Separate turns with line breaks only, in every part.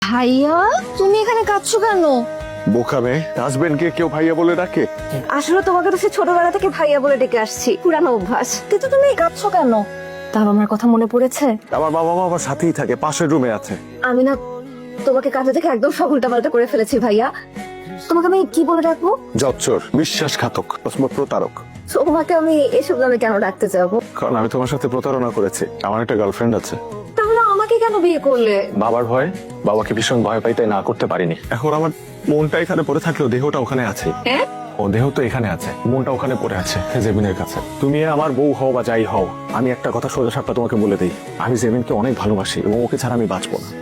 ভাইয়া তুমি এখানে কাঁদছো কেন?
বোকা মেয়ে, হাজবেন্ডকে কেউ ভাইয়া বলে ডাকে?
আসলে তোমাকে তো সে ছোটবেলা থেকে ভাইয়া বলে ডেকে আসছি, পুরানো অভ্যাস। কিন্তু তুমি কাঁদছো কেন? তার আমার কথা মনে পড়েছে?
আমার বাবা মা আমার সাথেই থাকে, পাশের রুমে আছে।
আমি না তোমাকে কাঁদতে দেখে একদম সব উল্টাপাল্টা করে ফেলেছি ভাইয়া। তোমাকে আমি কি বলে ডাকবো?
জচ্চর, বিশ্বাসঘাতক, প্রতারক।
তোমাকে আমি এসব নামে কেন ডাকতে যাবো?
কারণ আমি তোমার সাথে প্রতারণা করেছি। আমার একটা গার্লফ্রেন্ড আছে।
তাহলে আমাকে কেন বিয়ে করলে?
বাবার ভয়, বাবাকে ভীষণ ভয় পাই, তাই না করতে পারিনি। এখন আমার মনটা এখানে পড়ে থাকলেও দেহটা ওখানে আছে। ও দেহ তো এখানে আছে, মনটা ওখানে পড়ে আছে জেমিনের কাছে। তুমি আমার বউ হও বা যাই হও, আমি একটা কথা সোজা সাপটা তোমাকে বলে দিই, আমি জেমিনকে অনেক ভালোবাসি এবং ওকে ছাড়া আমি বাঁচবো না।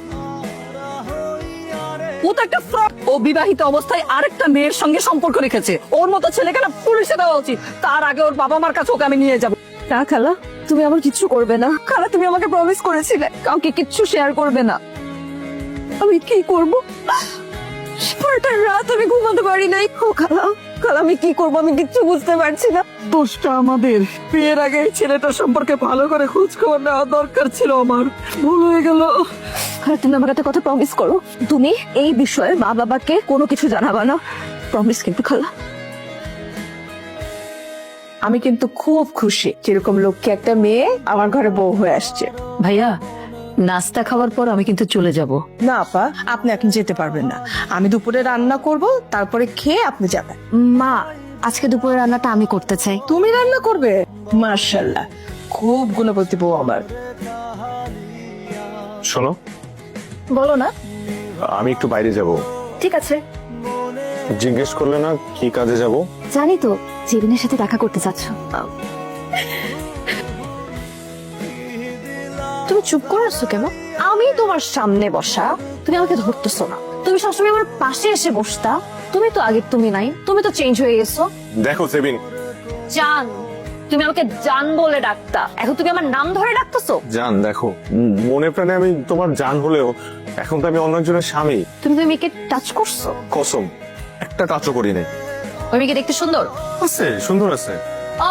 ও তো একটা ফ্রড। ও বিবাহিত অবস্থায় আরেকটা মেয়ের সঙ্গে সম্পর্ক রেখেছে। ওর মতো ছেলেকে না পুলিশে দেওয়া উচিত। তার আগে ওর বাবা মার কাছে ওকে আমি নিয়ে যাবো।
না খালা, তুমি আমার কিচ্ছু করবে না।
খালা, তুমি আমাকে প্রমিস করেছিলে কাউকে কিচ্ছু শেয়ার করবে না। আমি কি করবো? সারাটা রাত আমি ঘুমাতে পারি নাই। ও খালা, খালা আমি কি করবো? আমি কিচ্ছু বুঝতে পারছি না। দোষটা আমাদের। বিয়ের আগে এই ছেলেটার সম্পর্কে ভালো করে খোঁজ খবর নেওয়া দরকার ছিল। আমার ভুল হয়ে গেল।
আর তুমি আমার কথা প্রমিস করো, তুমি এই বিষয়ে মা বাবাকে কোনো কিছু জানাবা না। প্রমিস কিন্তু খালা।
আমি কিন্তু খুব খুশি যেরকম লক্ষ্যে একটা মেয়ে আমার ঘরে বউ হয়ে আসছে।
ভাইয়া, নাস্তা খাওয়ার পর আমি কিন্তু চলে যাব।
না আপা, আপনি এখন যেতে পারবেন না। আমি দুপুরে রান্না করব, তারপরে খেয়ে আপনি যাবেন।
মা, আজকে দুপুরের রান্নাটা আমি করতে চাই।
তুমি রান্না করবে? মাশাআল্লাহ, খুব গুণবতী বউ আমার।
শোনো,
বলো না।
আমি একটু বাইরে যাব।
ঠিক আছে।
জিজ্ঞেস করলে না কি কাজে যাব?
জানি তো, জেবিনের সাথে দেখা করতে চাচ্ছ। তুমি চুপ করে আসছো কেন? আমি তোমার সামনে বসা, তুমি আমাকে ধরতেছো না। তুমি সবসময় আমার পাশে এসে বসতা। তুমি তো আগে তুমি নাই, তুমি তো চেঞ্জ হয়ে গেছো।
দেখো জেমিন,
জান, তুমি আমাকে জান বলে ডাকতা, এখন তুমি আমার নাম ধরে ডাকতেছো।
জান দেখো, মনে প্রাণে আমি তোমার জান হলেও এখন তো আমি অন্য একজনের স্বামী।
তুমি তো মেয়েকে টাচ করছো।
কসম, একটা কাজও করি নাই।
ওই মেয়েকে দেখতে সুন্দর
আছে, সুন্দর আছে।
ও,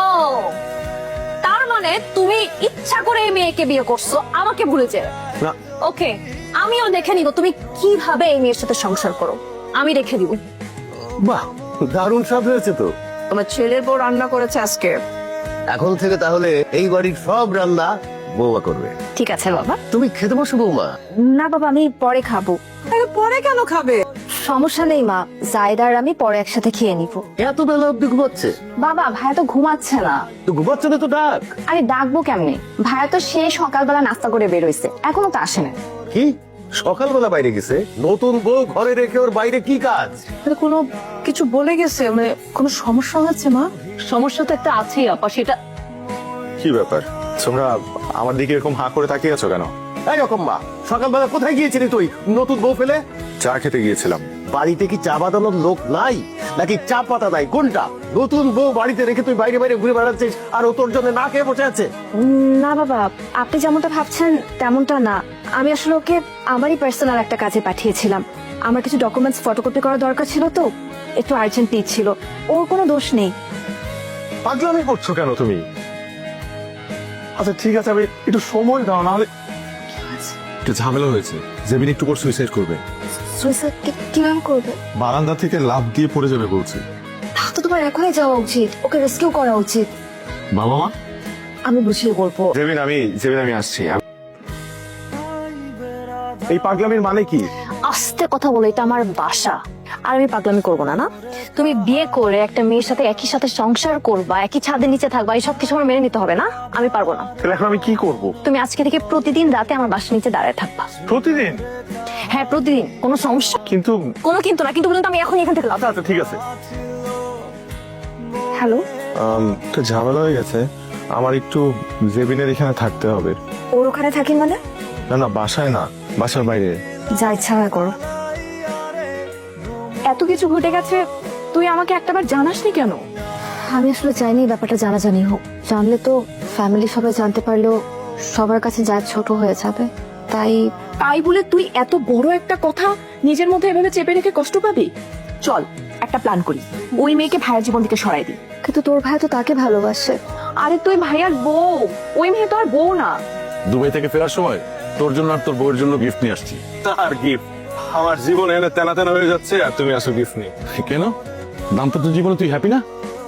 তার মানে তুমি ইচ্ছা করে এই মেয়েকে বিয়ে করছো আমাকে ভুলে যেয়ে।
না,
ওকে, আমিও দেখে নিব তুমি কিভাবে এই মেয়ের সাথে সংসার করো। আমি দেখে দিব।
বাহ, দারুণ স্বাদ হয়েছে তো।
তোমার ছেলের বউ রান্না করেছে আজকে।
এখন থেকে তাহলে এই বাড়ির সব রান্না বৌমা করবে।
ঠিক আছে বাবা।
তুমি খেতে বসো বৌমা।
না বাবা, আমি পরে খাবো।
আরে পরে কেন খাবে?
সমস্যা নেই মা, জায়দার আমি পরে একসাথে খেয়ে নিব।
এত বেলা অব্দি ঘুমাচ্ছে?
বাবা, ভাইয়া তো ঘুমাচ্ছে না।
তো ঘুমাচ্ছে না তো ডাক।
আরে ডাকবো কেমনে? ভাইয়া তো সেই সকালবেলা নাস্তা করে বের হইছে, এখনো তো আসে না।
কি সকালবেলা বাইরে গেছে? নতুন বউ ঘরে রেখে ওর বাইরে কি কাজ?
কোনো কিছু বলে গেছে? মানে কোনো সমস্যা হয়েছে মা?
সমস্যা তো একটা আছেই আপা, সেটা
কি ব্যাপার? তোমরা আমার দিকে এরকম হাঁ করে তাকিয়ে আছো কেন?
এইরকম মা, সকালবেলা কোথায় গিয়েছিলি তুই নতুন বউ ফেলে?
চা খেতে গিয়েছিলাম।
বাড়িতে কি চা বাঁধানোর লোক নাই নাকি চা পাতা নাই? কোনটা? নতুন বউ বাড়িতে রেখে তুই বাইরে বাইরে ঘুরে বেড়াচ্ছিস আর ও তোর জন্য না খেয়ে বসে আছে?
না বাবা, আপনি যেমনটা ভাবছেন তেমনটা না। আমি আসলে ওকে আমারই পার্সোনাল একটা কাজে পাঠিয়েছিলাম। আমার কিছু ডকুমেন্টস ফটোকপি করা দরকার ছিল, তো একটু আর্জেন্ট ছিল। ওর কোনো দোষ নেই।
পাগলামি করছো কেন তুমি? আচ্ছা ঠিক আছে, আমি একটু সময় দাও, নাহলে একটু ঝামেলা হয়েছে। জেমিন একটু পর সুইসাইড করবে।
সুইসাইড কিভাবে করবে?
বারান্দা থেকে লাফ দিয়ে পড়ে যাবে বলছে।
তা তো তোমার এখনই যাওয়া উচিত, ওকে রেস্কিউ করা উচিত।
বাবা মা,
আমি বুঝিয়ে বলবো।
জেমিন আমি আসছি। এই পাগলামির মানে কি?
আস্তে কথা বলে, এটা আমার বাসা, আর আমি পাগলামি করবো না। না, তুমি বিয়ে করে একটা মেয়ের সাথে একই সাথে সংসার করবা, একই ছাদের নিচে থাকবা, এই সব কিছু আমার মেনে নিতে হবে না। আমি পারবো না।
তাহলে এখন আমি কি করব?
তুমি আজকে থেকে প্রতিদিন রাতে আমার বাসার নিচে দাঁড়ায় থাকবা।
প্রতিদিন?
হ্যাঁ প্রতিদিন, কোনো সমস্যা?
কিন্তু
কোনো কিন্তু না, কিন্তু বলুন তো আমি এখন এখান থেকে লাভ।
আচ্ছা ঠিক আছে।
হ্যালো,
তো ঝামেলা হয়ে গেছে, আমার একটু জেবিনের এখানে থাকতে হবে।
ওর ওখানে থাকি মানে?
না না, বাসায় না, বাসার বাইরে।
যা ইচ্ছা হয় করো।
এত কিছু ঘটে গেছে, তুই আমাকে একটাবার জানাসনি কেন?
আমি আসলে চাইনি ব্যাপারটা জানাজানি হোক। জানলে তো ফ্যামিলি সবাই জানতে পারলেও সবার কাছে যা ছোট হয়ে যাবে, তাই।
তাই বলে তুই এত বড় একটা কথা নিজের মধ্যে এভাবে চেপে রেখে কষ্ট পাবি? চল একটা প্ল্যান করি, ওই মেয়েকে ভাইয়ের জীবন থেকে সরাই দিই।
কিন্তু তোর ভাই তো তাকে ভালোবাসে।
আরে তুই ভাইয়ার বউ, ওই মেয়ে তো আর বউ না।
দুবাই থেকে ফেরার সময় তোর জন্য আর তোর বউয়ের জন্য গিফট নিয়ে আসছি। তার গিফট আমার জীবন এনে তেনা তেনা হয়ে যাচ্ছে, আর তুমি আসো গিফট নিয়ে। কেন? দাম্পত্য জীবনে তুই হ্যাপি না?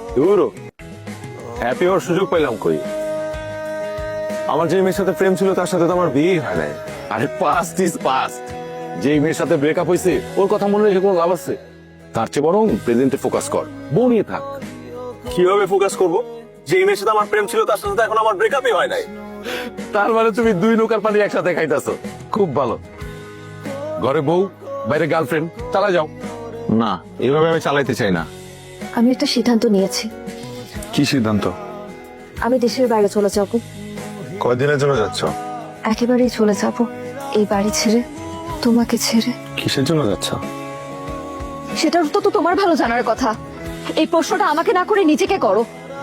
হ্যাপি হওয়ার সুযোগ পাইলাম কই? আমার যে মেয়ের সাথে প্রেম ছিল তার সাথে তো আমার বিয়ে হয় নাই। আরে পাস্ট ইজ পাস্ট। যে মেয়ের সাথে ব্রেকআপ হয়েছে ওর কথা মনে রেখে কোনো লাভ আছে? তার চেয়ে বরং প্রেজেন্টে ফোকাস কর, বউ নিয়ে থাক। কিভাবে ফোকাস করব? যে মেয়ের সাথে আমার প্রেম ছিল তার সাথে তো এখন আমার ব্রেকআপই হয় নাই। তার মানে তুমি দুই নৌকার পানি একসাথে খাইতেছো। খুব ভালো। ঘরে বউ, বাইরে গার্লফ্রেন্ড, চালা যাও। না, এভাবে আমি চালাইতে চাই না।
আমি একটা সিদ্ধান্ত নিয়েছি,
কি সিদ্ধান্ত?
আমি দেশের বাইরে চলে যাব।
কয়দিনের জন্য যাচ্ছ?
একেবারেই চলে যাব, এই বাড়ি ছেড়ে, তোমাকে ছেড়ে।
কিসের জন্য যাচ্ছ?
সেটার তো তোমার ভালো জানার কথা। এই প্রশ্নটা আমাকে না করে নিজেকে করো।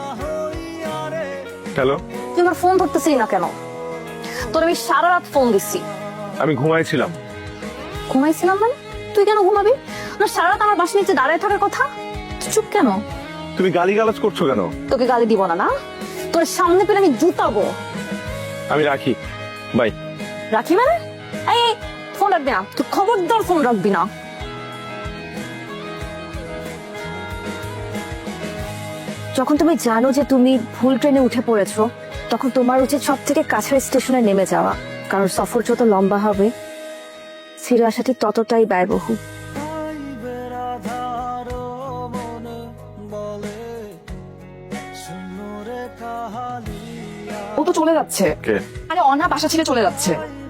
হ্যালো,
তুই আমার ফোন ধরতেছিস না কেন? তোর আমি সারা রাত ফোন দিচ্ছি।
আমি ঘুমাইছিলাম।
ঘুমাইছিলাম মানে? তুই কেন ঘুমাবি? না, সারা রাত আমার বাসার নিচে দাঁড়ায় থাকার কথা। তুই চুপ কেন?
তুমি গালিগালাজ করছো কেন?
তোকে গালি দিব না, না তোর সামনে পেলে আমি জুতাবো।
আমি রাখি, বাই।
রাখি মানে? এই ফোন রাখবি না, তুই খবরদার ফোন রাখবি না। যখন তুমি জানো যে তুমি ভুল ট্রেনে উঠে পড়েছো, তখন তোমার উচিত সব থেকে কাছের স্টেশনে নেমে যাওয়া। কারণ সফর যত লম্বা হবে, ফিরে আসা ঠিক ততটাই ব্যয়বহুল।
ও তো চলে যাচ্ছে।
কে?
আরে অনা বাসা ছেড়ে চলে যাচ্ছে।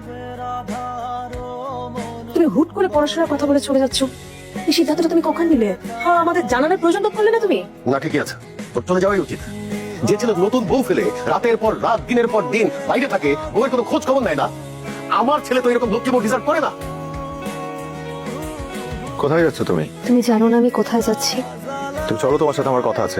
তুমি হুট করে পড়াশোনার কথা বলে চলে যাচ্ছ, এই সিদ্ধান্তটা তুমি কখন নিলে? হ্যাঁ, আমাদের জানানোর প্রয়োজন তো করলে না তুমি।
না, ঠিকই আছে, তোর চলে যাওয়াই উচিত। যে ছেলে নতুন বউ ফেলে রাতের পর রাত, দিনের পর দিন বাইরে থাকে, বউয়ের কোনো খোঁজ খবর নেয় না, আমার ছেলে তো এরকম লক্ষ্মী বউ ডিজার্ভ করে না।
কোথায় যাচ্ছ তুমি?
তুমি জানো না আমি কোথায় যাচ্ছি?
তুমি চলো, তোমার সাথে আমার কথা আছে।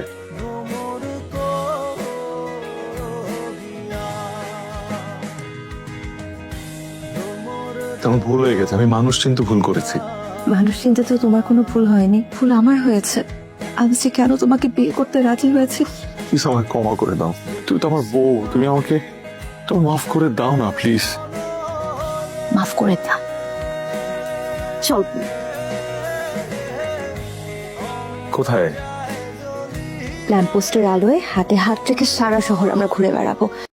তেমন ভুল হয়ে গেছে, আমি মানুষ চিনতে ভুল করেছি।
মানুষ চিনতে তো তোমার কোনো ভুল হয়নি, ভুল আমার হয়েছে। আমি যে কেন তোমাকে বিয়ে করতে রাজি হয়েছি।
প্লিজ আমাকে ক্ষমা করে দাও। তুমি তো আমার বউ, তুমি আমাকে তো মাফ করে দাও না প্লিজ।
মাফ করে দাও। চল।
কোথায়?
ল্যাম্পপোস্টের আলোয় হাতে হাত রেখে সারা শহর আমরা ঘুরে বেড়াবো।